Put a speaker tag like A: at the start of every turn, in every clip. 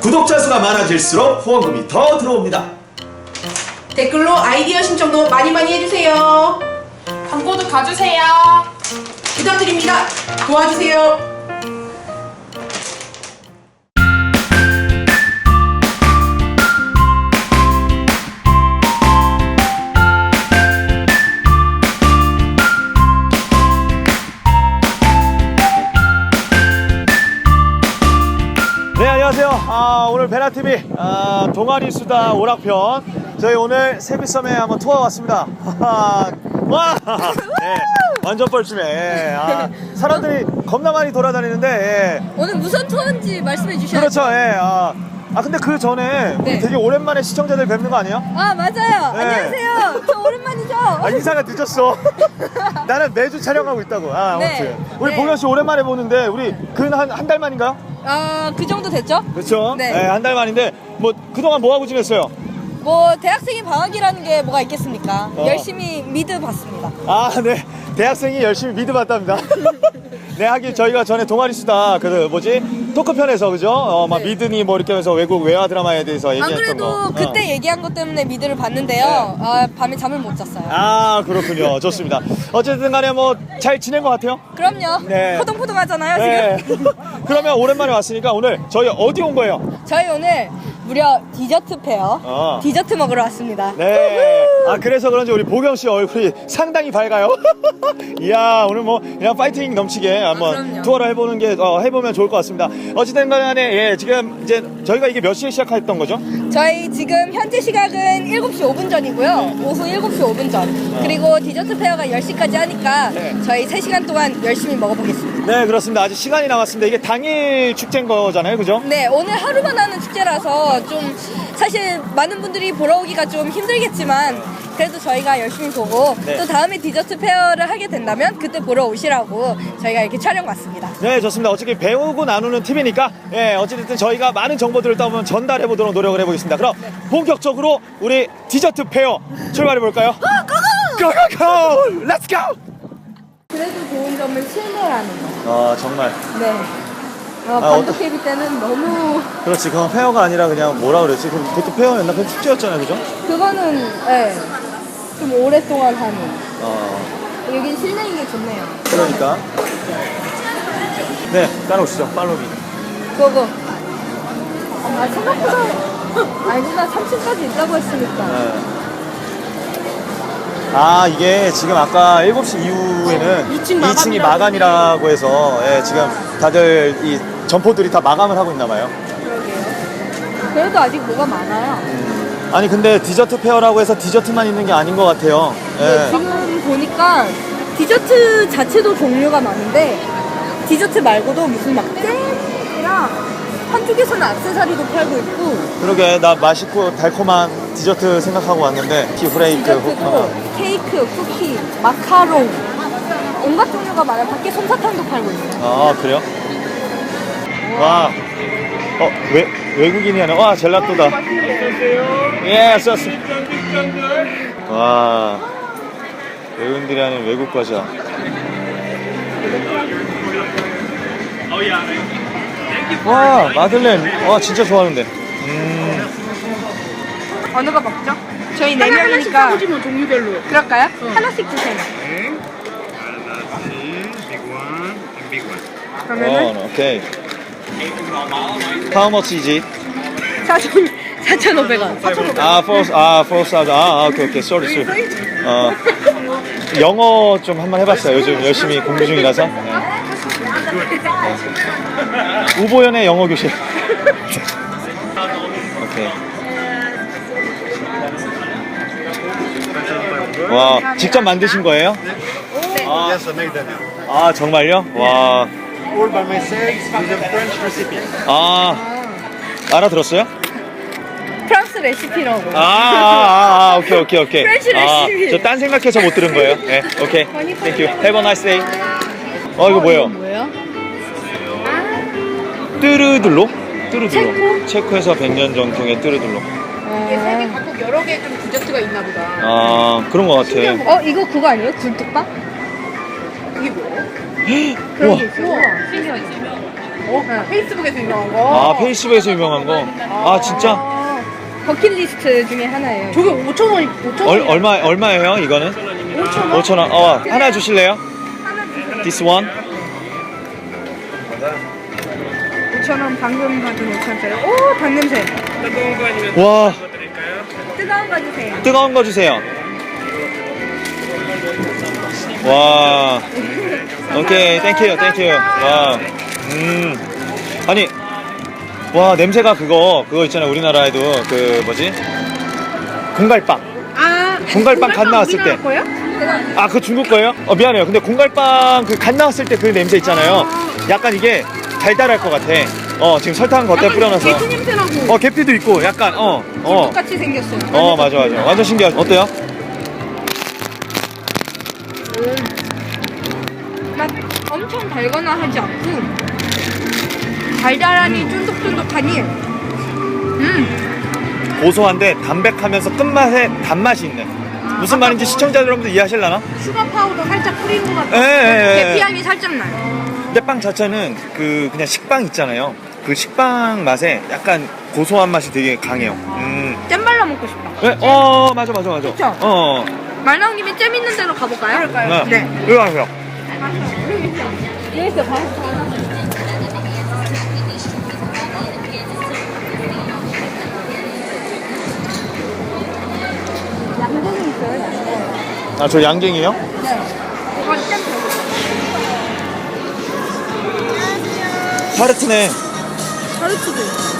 A: 구독자 수가 많아질수록 후원금이 더 들어옵니다.
B: 댓글로 아이디어 신청도 많이 해주세요.
C: 광고도 가주세요.
B: 부탁드립니다. 도와주세요.
A: 네, 안녕하세요. 오늘 베라TV 동아리 수다 오락편, 저희 오늘 세비섬에 한번 투어 왔습니다. 와! 네, 완전 뻘쭘해. 사람들이 겁나 많이 돌아다니는데,
D: 오늘 무슨 투어인지 말씀해 주셔야죠.
A: 그렇죠. 근데 그 전에 우리
D: 네.
A: 되게 오랜만에 시청자들 뵙는 거 아니에요?
D: 아, 맞아요.
A: 네.
D: 안녕하세요. 저 오랜만이죠.
A: 인사가 늦었어. 나는 매주 촬영하고 있다고. 아무튼
D: 네.
A: 우리
D: 네.
A: 봉현 씨 오랜만에 보는데, 우리 근 한 달 만인가요?
D: 그 정도 됐죠?
A: 그렇죠.
D: 네.
A: 한 달 만인데, 뭐 그동안 뭐 하고 지냈어요?
D: 뭐 대학생이 방학이라는 게 뭐가 있겠습니까?
A: 어.
D: 열심히 미드 봤습니다.
A: 네. 대학생이 열심히 미드 봤답니다. 네, 하긴 저희가 전에 동아리 수다 토크편에서 그죠? 막
D: 네.
A: 미드니 뭐 이렇게 하면서 외국 외화 드라마에 대해서
D: 안
A: 얘기했던
D: 그래도
A: 거.
D: 그때 얘기한 것 때문에 미드를 봤는데요. 밤에 잠을 못 잤어요.
A: 그렇군요. 좋습니다. 어쨌든 간에 뭐 잘 지낸 것 같아요.
D: 그럼요.
A: 네.
D: 포동포동하잖아요, 지금.
A: 그러면 오랜만에 왔으니까 오늘 저희 어디 온 거예요?
D: 저희 오늘 무려 디저트 페어, 디저트 먹으러 왔습니다.
A: 네. 그래서 그런지 우리 보경 씨 얼굴이 상당히 밝아요. 이야, 오늘 뭐 그냥 파이팅 넘치게 한번
D: 그럼요.
A: 투어를 해보면 좋을 것 같습니다. 어쨌든 간에 지금 이제 저희가 이게 몇 시에 시작했던 거죠?
D: 저희 지금 현재 시각은 7시 5분 전이고요. 오후 7시 5분 전. 그리고 디저트 페어가 10시까지 하니까
A: 네.
D: 저희 3시간 동안 열심히 먹어보겠습니다.
A: 네, 그렇습니다. 아직 시간이 남았습니다. 이게 당일 축제인 거잖아요, 그죠?
D: 네, 오늘 하루만 하는 축제라서 좀 사실 많은 분들이 보러 오기가 좀 힘들겠지만 그래도 저희가 열심히 보고
A: 네.
D: 또 다음에 디저트 페어를 하게 된다면 그때 보러 오시라고 저희가 이렇게 촬영 왔습니다.
A: 네, 좋습니다. 어차피 배우고 나누는 TV니까 어쨌든 저희가 많은 정보들을 또 한번 전달해 보도록 노력을 해보겠습니다. 그럼 본격적으로 우리 디저트 페어 출발해 볼까요? 고고고! 렛츠 고!
D: 그래도 좋은 점은 실내라는 거.
A: 정말.
D: 네. 반도 KB 때는 너무
A: 그렇지, 그건 페어가 아니라 그냥 뭐라 그랬지? 그것도 페어였나? 그건 축제였잖아요, 그죠?
D: 그거는 좀 오랫동안 하는. 여긴 실내인 게 좋네요.
A: 그러니까. 네, 따라오시죠. 팔로미.
D: 그거. 생각보다 아니구나. 3층까지 있다고 했으니까.
A: 이게 지금 아까 7시 이후에는 2층이 마감이라고 해서 지금 다들 이 점포들이 다 마감을 하고 있나 봐요.
D: 그러게요. 그래도 아직 뭐가 많아요.
A: 아니 근데 디저트 페어라고 해서 디저트만 있는 게 아닌 것 같아요.
D: 지금 보니까 디저트 자체도 종류가 많은데 디저트 말고도 무슨 막 잼이랑 한쪽에서는 액세서리도 팔고 있고
A: 그러게, 나 맛있고 달콤한 디저트 생각하고 왔는데 티브레이크,
D: 디저트도 케이크, 쿠키, 마카롱 온갖 종류가 많아요. 밖에 솜사탕도 팔고 있어요.
A: 그래요? 와, 외국인이 하네. 와, 젤라또다. 예, 썼어. 와, 외국인들이 하는 외국 과자. 와, 마들렌. 와, 진짜 좋아하는데.
D: 어느 거 먹죠? 저희 4명이니까 하나씩
B: 뭐 종류별로.
D: 그럴까요? 하나씩 주세요. 그러면은
A: 오케이. How much is it?
D: 4,500원.
A: 4 사우드. 오케이. sorry. 영어 좀 한번 해봤어요. 요즘 열심히 공부 중이라서. 우보연의 영어 교실. 오케이. 와, 직접 만드신 거예요?
E: Yes, I made them.
A: 정말요? 와.
E: All by myself with a French recipe.
A: 알아들었어요?
D: 프랑스 레시피라고.
A: 오케이.
D: 프렌치 레시피.
A: 저 딴 생각해서 못 들은 거예요. 네, 오케이. Thank you. Have a nice day. 이거 뭐예요?
D: 뭐예요?
A: 뚜르들로? 체코에서 100년 전통의 뚜르들로.
B: 이게 세계 각국 여러 개 좀 디저트가 있나 보다.
A: 그런 거 같아.
D: 이거 그거 아니에요? 굴뚝밥?
B: 이게 뭐예요?
A: 우와.
D: 신기하지.
B: 페이스북에서 유명한 거.
A: 아, 페이스북에서 유명한 거. 아, 진짜?
D: 버킷리스트 중에 하나예요.
B: 저게 5,000원이, 5,000원.
A: 얼마예요, 이거는?
B: 5,000원?
A: 5,000원. 하나 주실래요? This one?
D: 5,000원 방금 받은 5,000원짜리. 오, 닭냄새.
A: 와,
D: 뜨거운 거 주세요.
A: 뜨거운 거 주세요. 와, 오케이, 땡큐. 와, 아니, 와, 냄새가 그거 있잖아요. 우리나라에도 그 뭐지? 공갈빵. 공갈빵 갓 나왔을 때.
B: 거예요?
A: 아, 그 중국 거예요? 미안해요. 근데 공갈빵 그 갓 나왔을 때 그 냄새 있잖아요. 약간 이게 달달할 것 같아. 지금 설탕 겉에 뿌려놔서.
B: 계피 냄새나고.
A: 계피도 있고, 약간,
D: 똑같이 생겼어요.
A: 맞아. 완전 신기하죠. 어때요?
D: 막 엄청 달거나 하지 않고 달달하니 쫀득쫀득하니
A: 고소한데 담백하면서 끝맛에 단맛이 있네. 무슨 말인지 시청자 여러분들 이해하실라나?
B: 슈가 파우더 살짝 뿌린 것 같아.
A: 예.
D: 계피향이 살짝 나요.
A: 근데 빵 자체는 그냥 식빵 있잖아요. 그 식빵 맛에 약간 고소한 맛이 되게 강해요.
D: 잼 발라 먹고 싶다.
A: 네? 맞아.
D: 그쵸? 말 나온 김에 잼 있는 데로 가볼까요?
B: 그럴까요?
A: 네. 이리 와세요.
D: 여기서 봐. 양갱이 있어요, 양갱.
A: 아, 저 양갱이요?
D: 네.
A: 타르트네.
D: 타르트도 있어요.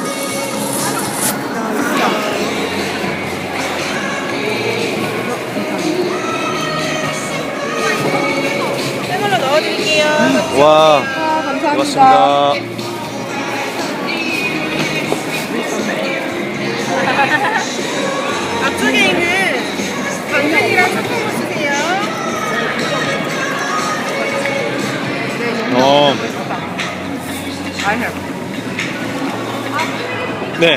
B: 쌤으로 넣어드릴게요.
A: 와,
D: 감사합니다.
A: 고맙습니다.
B: 앞쪽에 있는 당근이랑 초코를 주세요.
A: 네.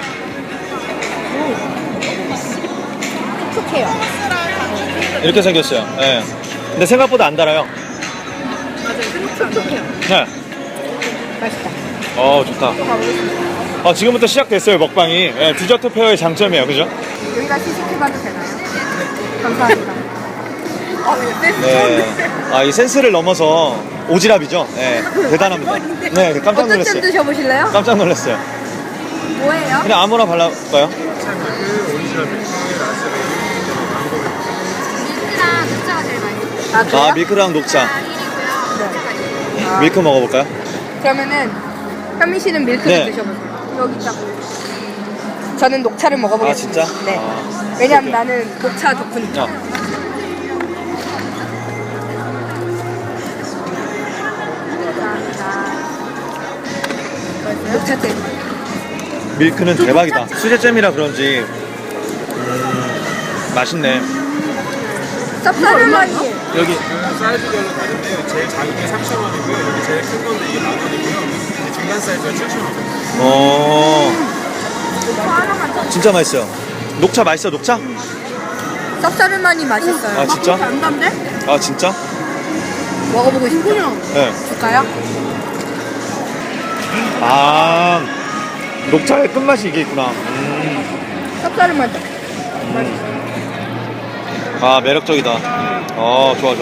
D: 촉촉해요.
A: 이렇게 생겼어요. 네. 근데 생각보다 안 달아요.
D: 촉촉해요.
A: 네.
D: 맛있다.
A: 좋다. 지금부터 시작됐어요, 먹방이. 네, 디저트 페어의 장점이에요, 그죠?
D: 여기가 시식해봐도 되나요? 감사합니다.
A: 네. 이 센스를 넘어서 오지랖이죠. 네, 대단합니다. 네, 깜짝
D: 어떤 잼
A: 놀랐어요.
D: 드셔보실래요?
A: 깜짝 놀랐어요.
D: 뭐예요?
A: 그냥 아무나 발라볼까요?
D: 밀크랑 녹차가 제일 맛있어요. 아,
A: 밀크랑 녹차.
D: 네.
A: 밀크 먹어볼까요?
D: 그러면은 현미 씨는 밀크를
A: 네.
D: 드셔보세요. 여기 있다. 저는 녹차를 먹어보겠습니다.
A: 진짜?
D: 네. 왜냐면 나는 녹차 덕후니까. 녹차잼.
A: 밀크는 대박이다. 수제잼이라 그런지 맛있네.
D: 쌉싸름하니.
A: 여기
E: 사이즈별로 다른데요. 제일 작은 게 3,000원이고요. 여기 제일 큰 건데 이게 10,000원이고요. 중간 사이즈가 7,000원.
A: 진짜 맛있어요. 녹차 맛있어, 녹차?
D: 쌉싸름하니 맛있어요.
A: 아, 진짜?
B: 안 단데?
A: 아, 진짜?
D: 먹어보고 싶어요.
A: 네.
D: 줄까요?
A: 녹차의 끝맛이 이게 있구나.
D: 쌉싸름하죠?
A: 매력적이다. 좋아.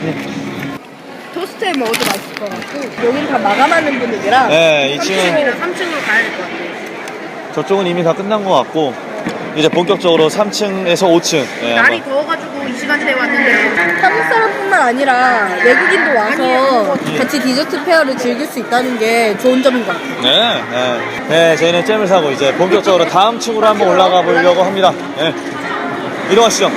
D: 토스트에 먹어도 맛있을 것 같고 여긴 다 마감하는 분위기라
A: 네, 2층은
B: 3층으로 가야 될 것 같아.
A: 저쪽은 이미 다 끝난 것 같고 이제 본격적으로 3층에서 5층. 네,
B: 날이 더워가지고 이 시간대에 왔는데.
D: 한국 사람뿐만 아니라 외국인도 와서 같이 디저트 페어를 즐길 수 있다는 게 좋은 점인 것 같아요.
A: 네, 저희는 잼을 사고 이제 본격적으로 다음 층으로 한번 올라가 보려고 합니다. 네. 이동하시죠.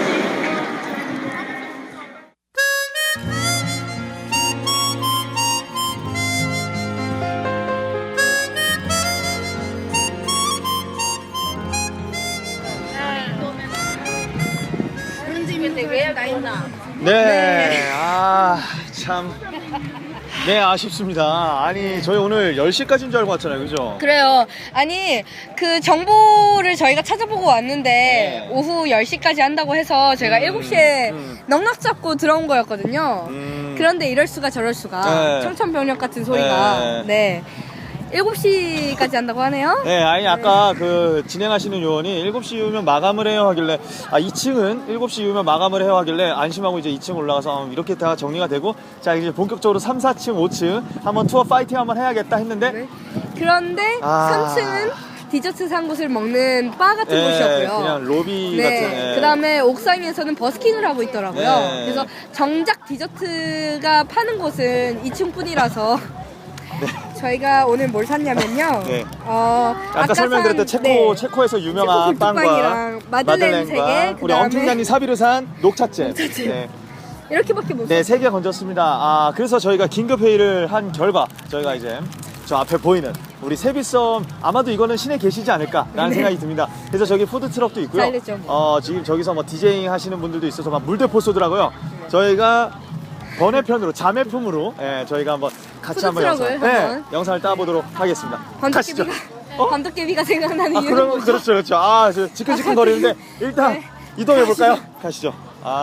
A: 네, 참. 네, 아쉽습니다. 아니, 저희 오늘 10시까지인 줄 알고 왔잖아요, 그죠?
D: 그래요. 아니 그 정보를 저희가 찾아보고 왔는데
A: 네.
D: 오후 10시까지 한다고 해서 저희가 7시에 넉넉 잡고 들어온 거였거든요. 그런데 이럴 수가 저럴 수가
A: 네.
D: 청천벽력 같은 소리가
A: 네.
D: 네. 7시까지 한다고 하네요.
A: 네, 아니 아까 그 진행하시는 요원이 7시 이후면 마감을 해요 하길래 2층은 7시 이후면 마감을 해요 하길래 안심하고 이제 2층 올라가서 이렇게 다 정리가 되고 자 이제 본격적으로 3, 4층, 5층 한번 투어 파이팅 한번 해야겠다 했는데
D: 네. 그런데
A: 아.
D: 3층은 디저트 산 곳을 먹는 바 같은 곳이었고요.
A: 그냥 로비
D: 네.
A: 같은.
D: 그 다음에 옥상에서는 버스킹을 하고 있더라고요.
A: 네.
D: 그래서 정작 디저트가 파는 곳은 2층뿐이라서 저희가 오늘 뭘 샀냐면요.
A: 네.
D: 아까
A: 설명드렸던
D: 산,
A: 체코에서 유명한
D: 체코
A: 빵과
D: 굴뚝빵이랑 마들렌 3개,
A: 우리 엄청난이 사비르산 녹차잼.
D: 녹차잼.
A: 네.
D: 이렇게밖에 못
A: 네,
D: 샀어요.
A: 3개 건졌습니다. 그래서 저희가 긴급 회의를 한 결과 저희가 이제 저 앞에 보이는 우리 세비섬 아마도 이거는 시내 계시지 않을까라는
D: 네.
A: 생각이 듭니다. 그래서 저기 푸드 트럭도 있고요.
D: 사일리죠.
A: 지금 저기서 뭐 디제잉 하시는 분들도 있어서 막 물대포 쏘더라고요. 저희가 번외편으로 자매품으로 저희가 한번 같이 한번
D: 푸드트럭을 한번.
A: 영상을 따보도록 하겠습니다. 가시죠.
D: 밤도깨비가 생각나는 이유는
A: 그럼
D: 뭐죠?
A: 그렇죠, 그렇죠. 저 지끈지끈 거리는데 일단
D: 네.
A: 이동해 볼까요? 가시죠.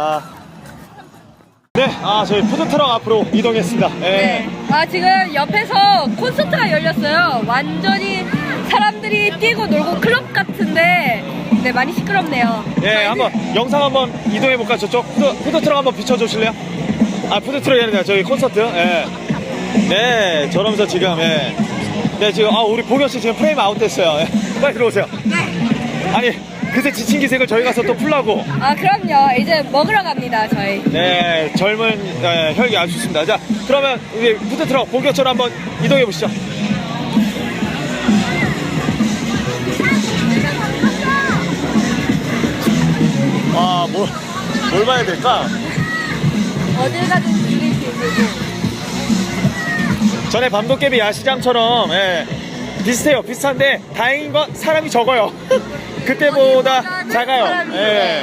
A: 네, 저희 푸드트럭 앞으로 이동했습니다.
D: 네. 지금 옆에서 콘서트가 열렸어요. 완전히 사람들이 뛰고 놀고 클럽 같은데 네, 많이 시끄럽네요.
A: 네, 한번 영상 한번 이동해 볼까요? 저쪽 푸드트럭 한번 비춰주실래요? 푸드트럭이 아니라 저희 콘서트. 네, 저러면서 지금 네, 지금 우리 봉현 씨 지금 프레임 아웃됐어요. 빨리 들어오세요.
D: 네.
A: 아니, 그새 지친 기색을 저희 가서 또 풀라고.
D: 그럼요. 이제 먹으러 갑니다, 저희.
A: 네, 젊은 혈기 아주 좋습니다. 자, 그러면 우리 푸드트럭 본격적으로 한번 이동해 보시죠. 뭘 봐야 될까?
D: 어딜 가든 줄이 길고.
A: 전에 밤도깨비 야시장처럼 비슷해요. 비슷한데 다행인 건 사람이 적어요. 그때보다
D: 어디보다는
A: 작아요.
D: 사람이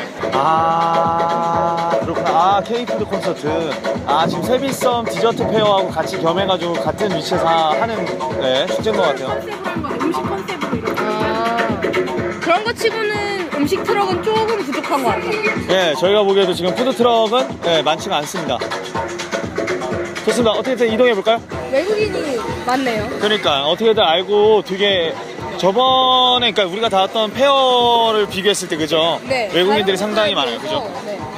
A: 그렇구나. K푸드 콘서트. 지금 세비섬 디저트 페어하고 같이 겸해가지고 같은 위치에서 하는 축제인 것 같아요.
B: 음식 컨셉으로 이렇게.
D: 그런 거 치고는 음식 트럭은 조금 부족한 것 같아요.
A: 저희가 보기에도 지금 푸드 트럭은 많지가 않습니다. 좋습니다. 어떻게든 이동해 볼까요?
D: 외국인이 많네요.
A: 그러니까 어떻게든 알고 되게 저번에 그러니까 우리가 닿았던 페어를 비교했을 때 그죠?
D: 네.
A: 외국인들이
D: 다른
A: 상당히
D: 국가에
A: 많아요. 그죠?
D: 비해서, 네.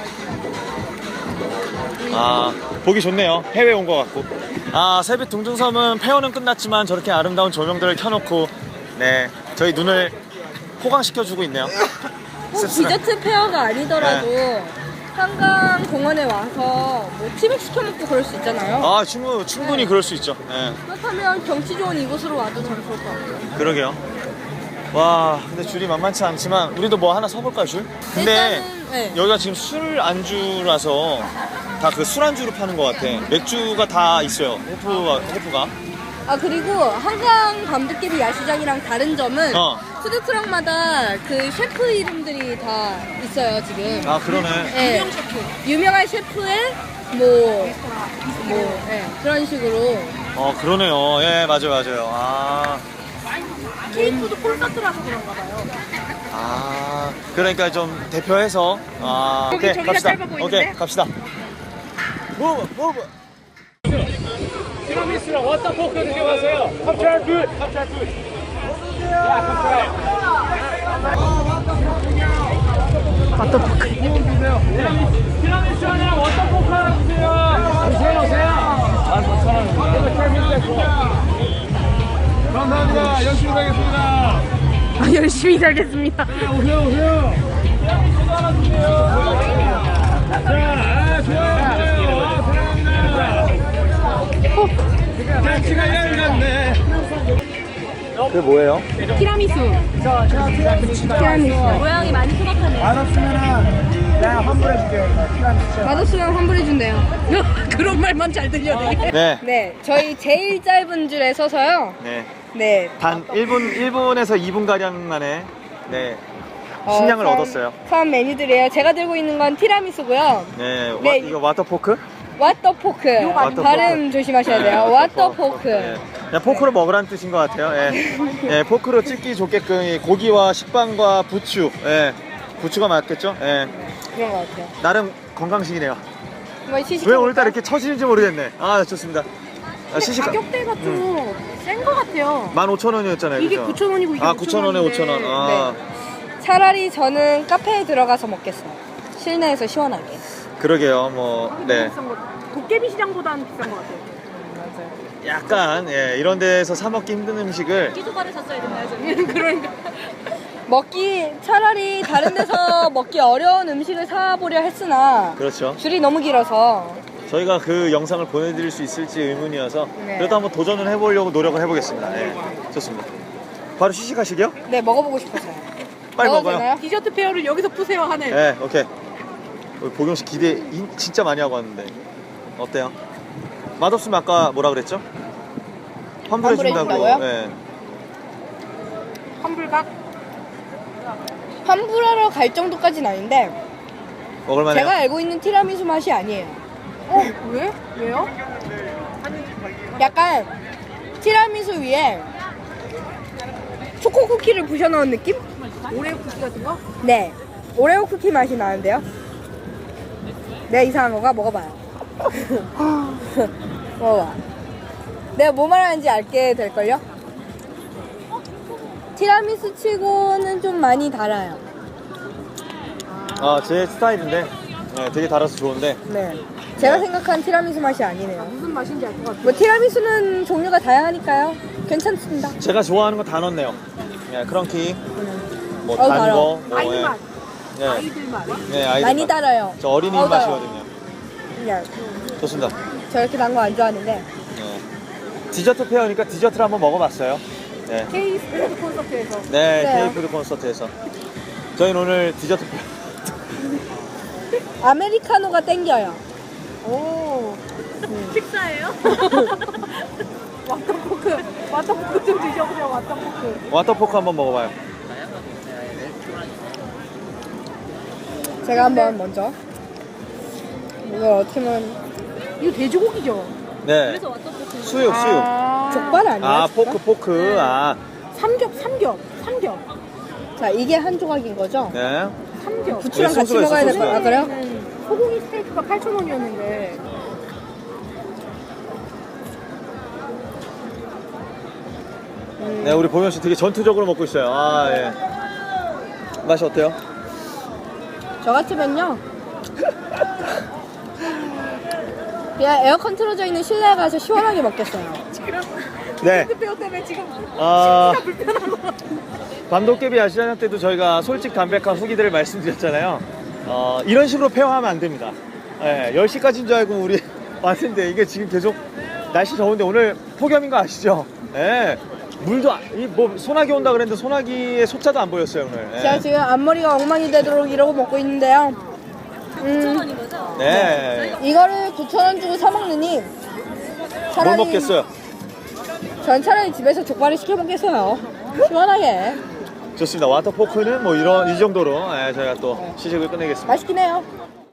A: 보기 좋네요. 해외 온 것 같고. 세빛 둥둥섬은 페어는 끝났지만 저렇게 아름다운 조명들을 켜놓고 저희 눈을 호강시켜주고 있네요.
D: 꼭 디저트 페어가 아니더라도
A: 네.
D: 한강 공원에 와서 뭐 치맥 시켜 먹고 그럴 수 있잖아요.
A: 충분히 그럴 수 있죠.
D: 그렇다면 경치 좋은 이곳으로 와도 참 좋을 것 같아요.
A: 그러게요. 와, 근데 줄이 만만치 않지만 우리도 뭐 하나 서볼까요, 줄? 근데
D: 일단은,
A: 여기가 지금 술 안주라서 다 그 술 안주로 파는 것 같아. 맥주가 다 있어요. 호프가.
D: 그리고 한강 밤도깨비 야시장이랑 다른 점은 푸드트럭마다 그 셰프 이름들이 다 있어요 지금.
A: 그러네.
D: 네. 유명한 셰프의 그런 식으로.
A: 그러네요. 맞아요.
B: K푸드 콘서트라서 그런가 봐요.
A: 그러니까 좀 대표해서. 오케이,
B: 저기가
A: 갑시다.
B: 짧아 보이는데?
A: 오케이, 갑시다. 무브.
E: 티라미수랑 워터포크 드셔보세요. 컵차를 둘. 티라미수 하나, 워터포크 하나 주세요. 오세요. 감사합니다. 열심히 살겠습니다.
B: 열심히 살겠습니다.
E: 오세요. 티라미수 하나 주세요. 자, 좋아요. 사랑합니다. 날씨가 얇았네.
A: 그게 뭐예요?
B: 티라미수.
D: 모양이 많이 소박하네요. 맛없으면 환불해준대요.
B: 그런 말만 잘 들려 되게.
D: 네, 저희 제일 짧은 줄에 서서요. 네.
A: 단 1분에서 2분 가량 만에 식량을 얻었어요.
D: 처음 메뉴들이에요. 제가 들고 있는 건 티라미수고요. 네.
A: 이거 와터포크?
D: 왓더포크. 발음 조심하셔야 돼요. 왓더포크.
A: 그냥 포크로 먹으라는 뜻인 것 같아요. 포크로 찍기 좋게끔 이 고기와 식빵과 부추. 부추가 맞겠죠?
D: 그런 것 같아요.
A: 나름 건강식이네요.
D: 한번 시식해
A: 왜 오늘따라 이렇게 처지는지 모르겠네. 좋습니다.
B: 근데
A: 시식
B: 가격대가 좀 센 것 같아요.
A: 15,000원이었잖아요.
B: 이게
A: 그죠?
B: 9,000원이고 이게
A: 9,000원에 5,000원. 아,
D: 차라리 저는 카페에 들어가서 먹겠어요. 실내에서 시원하게.
A: 그러게요. 뭐, 네.
B: 비싼 거. 도깨비 시장보다는 비싼 것 같아요.
A: 약간, 예, 이런 데서 사먹기 힘든 음식을.
D: 끼조가를 샀어야 됐나요, 저는? 그러니까. 차라리 다른 데서 먹기 어려운 음식을 사보려 했으나
A: 그렇죠.
D: 줄이 너무 길어서
A: 저희가 그 영상을 보내드릴 수 있을지 의문이어서
D: 네.
A: 그래도 한번 도전을 해보려고 노력을 해보겠습니다. 예, 좋습니다. 바로 시식하시게요?
D: 네, 먹어보고 싶어서요.
A: 빨리
D: 먹어도
A: 먹어요.
D: 되나요?
B: 디저트 페어를 여기서 푸세요 하네.
A: 네, 오케이. 우리 보경 씨 기대 진짜 많이 하고 왔는데 어때요? 맛없으면 아까 뭐라 그랬죠? 환불해 준다고.
D: 환불해준다고요?
A: 네.
B: 환불각.
D: 환불하러 갈 정도까지는 아닌데
A: 먹을만해요.
D: 제가 알고 있는 티라미수 맛이 아니에요.
B: 왜? 왜요?
D: 약간 티라미수 위에 초코 쿠키를 부셔 넣은 느낌?
B: 오레오 쿠키 같은 거?
D: 네, 오레오 쿠키 맛이 나는데요. 내가 이상한 거가 먹어봐요. 먹어봐. 내가 뭐 말하는지 알게 될걸요? 티라미수 치고는 좀 많이 달아요.
A: 아, 제 스타일인데 네, 되게 달아서 좋은데
D: 네, 제가 생각한 티라미수 맛이 아니네요.
B: 무슨 맛인지 알 것 같아요.
D: 뭐 티라미수는 종류가 다양하니까요. 괜찮습니다.
A: 제가 좋아하는 거 다 넣었네요. 네, 크런키, 뭐
D: 어우,
A: 단
D: 달아.
A: 거, 뭐,
B: 아이
A: 예.
B: 맛.
A: 네,
B: 아이들 맛.
A: 네, 아이들
D: 많이
A: 맛.
D: 달아요.
A: 저 어린이
D: 어우, 달아.
A: 맛이거든요.
D: 그냥
A: 좋습니다.
D: 저 이렇게 단 거 안 좋아하는데
A: 네. 디저트 페어니까 디저트를 한번 먹어봤어요. 네,
B: K 스포츠 콘서트에서.
A: 네,
D: 네.
A: K푸드 콘서트에서 저희는 오늘 디저트 페어.
D: 아메리카노가 땡겨요.
B: 오. 식사예요? 왓더포크. 왓더포크 좀 드셔보세요. 왓더포크.
A: 와터포크 한번 먹어봐요.
D: 제가 한번 먼저 이거 어떻게 보면
B: 이거 돼지고기죠?
A: 네. 수육.
B: 아.
D: 족발 아니에요?
A: 아,
D: 족발?
A: 포크. 아,
B: 삼겹.
D: 자, 이게 한 조각인 거죠?
A: 네.
B: 삼겹.
D: 부추랑
A: 네,
D: 같이
A: 소스가
D: 먹어야
A: 있어,
D: 될 거야. 아, 그래요?
B: 소고기 스테이크가 8,000원이었는데.
A: 네, 우리 보면 씨 되게 전투적으로 먹고 있어요. 아, 예. 맛이 어때요?
D: 저 같으면요. 그냥 에어컨 틀어져 있는 실내에 가서 시원하게 먹겠어요.
A: 네.
B: 페어 때문에 지금
A: 아, 밤도깨비 아시아냐 때도 저희가 솔직 담백한 후기들을 말씀드렸잖아요. 이런 식으로 페어하면 안 됩니다. 예, 10시까지인 줄 알고 우리 왔는데 이게 지금 계속 날씨 더운데 오늘 폭염인 거 아시죠? 예. 물도 뭐 소나기 온다 그랬는데 소나기의 소자도 안 보였어요 오늘. 예.
D: 제가 지금 앞머리가 엉망이 되도록 이러고 먹고 있는데요.
F: 9,000원인 거죠?
A: 네.
D: 이거를 9,000원 주고 사 먹느니
A: 뭘 먹겠어요?
D: 전 차라리 집에서 족발을 시켜 먹겠어요. 시원하게.
A: 좋습니다. 와터포크는 뭐 이 정도로 예, 저희가 또 시식을 끝내겠습니다.
D: 맛있긴 해요.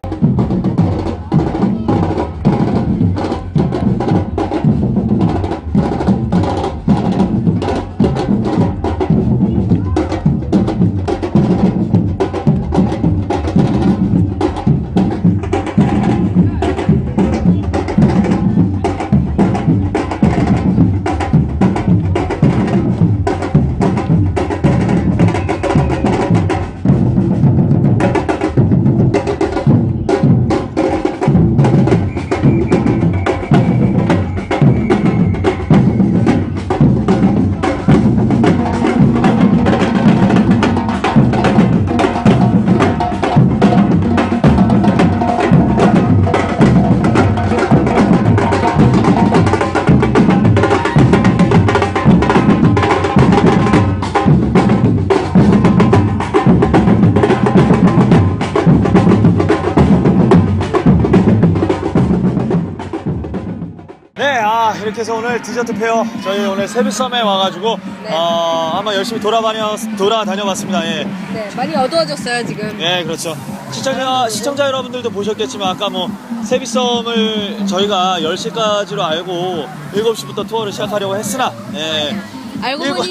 A: 이렇게 해서 오늘 디저트 페어 저희 오늘 세비섬에 와가지고
D: 네.
A: 한번 열심히 돌아다녀봤습니다. 예.
D: 네, 많이 어두워졌어요 지금.
A: 예, 그렇죠. 시청자 여러분들도 보셨겠지만 아까 뭐 세비섬을 저희가 10시까지로 알고 7시부터 투어를 시작하려고 했으나 예.
D: 알고
A: 일곱-
D: 보니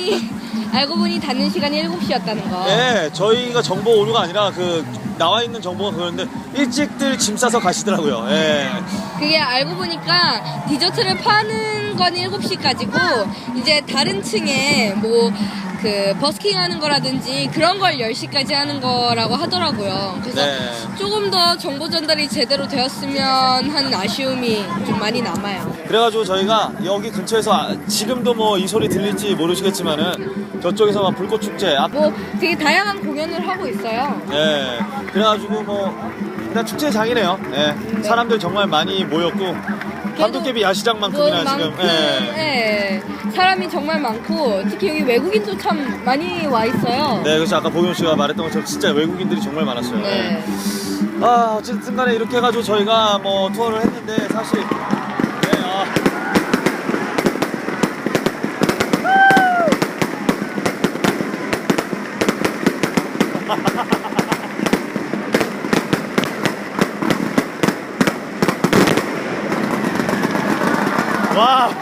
D: 알고 보니 닫는 시간이 7시였다는 거.
A: 네, 저희가 정보 오류가 아니라 그 나와 있는 정보가 그런데 일찍들 짐 싸서 가시더라고요. 예.
D: 그게 알고 보니까 디저트를 파는 건 7시까지고 이제 다른 층에 뭐 그 버스킹 하는 거라든지 그런 걸 10시까지 하는 거라고 하더라고요. 그래서
A: 네.
D: 조금 더 정보 전달이 제대로 되었으면 하는 아쉬움이 좀 많이 남아요.
A: 그래가지고 저희가 여기 근처에서 지금도 뭐 이 소리 들릴지 모르시겠지만은 저쪽에서 막 불꽃 축제
D: 뭐 되게 다양한 공연을 하고 있어요.
A: 예. 그래가지고 뭐 일단 축제장이네요. 예. 사람들 정말 많이 모였고 감도깨비 야시장만큼이나 지금. 예.
D: 사람이 정말 많고 특히 여기 외국인도 참 많이 와 있어요.
A: 네, 그래서 아까 보경 씨가 말했던 것처럼 진짜 외국인들이 정말 많았어요.
D: 네.
A: 아, 어쨌든 간에 이렇게 해가지고 저희가 뭐 투어를 했는데 사실 네, 와.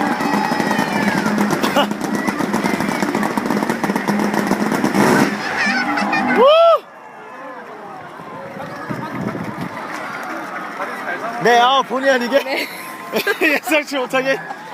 A: 네, 본의 아니게
D: 네.
A: 예상치 못하게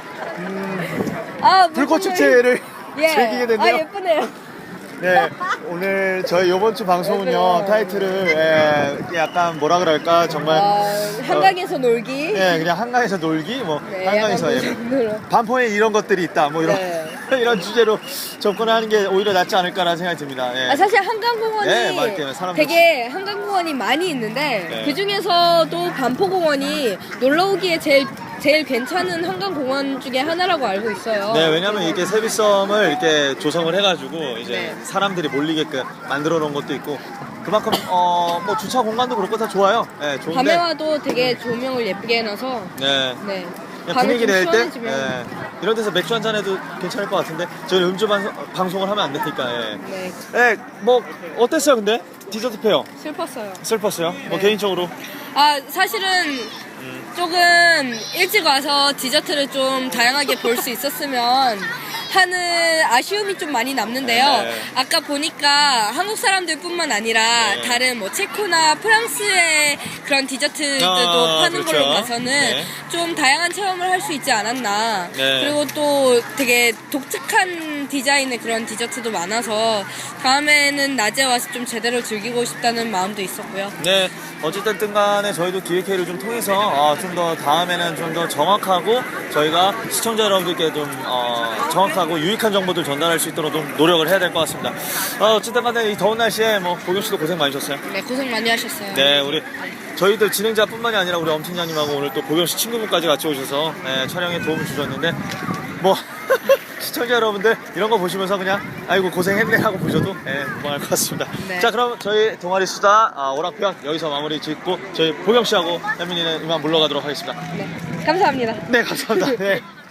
D: 아,
A: 불꽃
D: 무슨
A: 축제를
D: 예.
A: 즐기게 됐네요.
D: 아, 예쁘네요.
A: 네, 오늘 저희 이번 주 방송은요
D: 네.
A: 타이틀을 약간 뭐라 그럴까 정말
D: 한강에서 놀기.
A: 네, 그냥 한강에서 놀기 뭐
D: 네,
A: 한강에서
D: 약간 그 정도로.
A: 반포에 이런 것들이 있다 뭐 이런
D: 네.
A: 이런 주제로 접근하는 게 오히려 낫지 않을까라는 생각이 듭니다. 예.
D: 아, 사실 한강공원이
A: 네, 맞게 사람들
D: 되게 한강공원이 많이 있는데
A: 네.
D: 그 중에서도 반포공원이 놀러 오기에 제일 괜찮은 한강공원 중에 하나라고 알고 있어요.
A: 네, 왜냐면 이렇게 세비섬을 이렇게 조성을 해가지고 이제
D: 네.
A: 사람들이 몰리게끔 만들어 놓은 것도 있고 그만큼 뭐 주차 공간도 그렇고 다 좋아요. 네, 좋은데.
D: 밤에 와도 되게 조명을 예쁘게 해놔서
A: 네.
D: 네.
A: 그냥
D: 밤에
A: 분위기
D: 좀
A: 낼 때
D: 시원해지면.
A: 이런 데서 맥주 한잔 해도 괜찮을 것 같은데 저희는 음주 방송을 하면 안 되니까. 예.
D: 네,
A: 네, 뭐 어땠어요 근데 디저트 페어
D: 슬펐어요.
A: 슬펐어요? 뭐
D: 네.
A: 개인적으로
D: 아, 사실은 조금 일찍 와서 디저트를 좀 다양하게 볼 수 있었으면 하는 아쉬움이 좀 많이 남는데요.
A: 네.
D: 아까 보니까 한국 사람들뿐만 아니라
A: 네.
D: 다른 뭐 체코나 프랑스의 그런 디저트들도
A: 아,
D: 파는
A: 그렇죠.
D: 걸로 봐서는
A: 네.
D: 좀 다양한 체험을 할 수 있지 않았나.
A: 네.
D: 그리고 또 되게 독특한 디자인의 그런 디저트도 많아서 다음에는 낮에 와서 좀 제대로 즐기고 싶다는 마음도 있었고요.
A: 네, 어쨌든 간에 저희도 기획회의를 좀 통해서 좀 더 다음에는 좀 더 정확하고 저희가 시청자 여러분들께 좀 정확하고 유익한 정보들 전달할 수 있도록 좀 노력을 해야 될 것 같습니다. 어쨌든 간에 이 더운 날씨에 뭐 보경 씨도 고생 많으셨어요.
D: 네, 고생 많이 하셨어요.
A: 네, 우리 저희들 진행자뿐만이 아니라 우리 엄팀장님하고 오늘 또 보경 씨 친구분까지 같이 오셔서 촬영에 도움을 주셨는데 뭐 시청자 여러분들 이런 거 보시면서 그냥 아이고 고생했네 하고 보셔도 무방할 것 같습니다.
D: 네.
A: 자, 그럼 저희 동아리 수다 오락편 여기서 마무리 짓고 저희 보경 씨하고 현민이는 이만 물러가도록 하겠습니다.
D: 네, 감사합니다.
A: 네, 감사합니다. 네.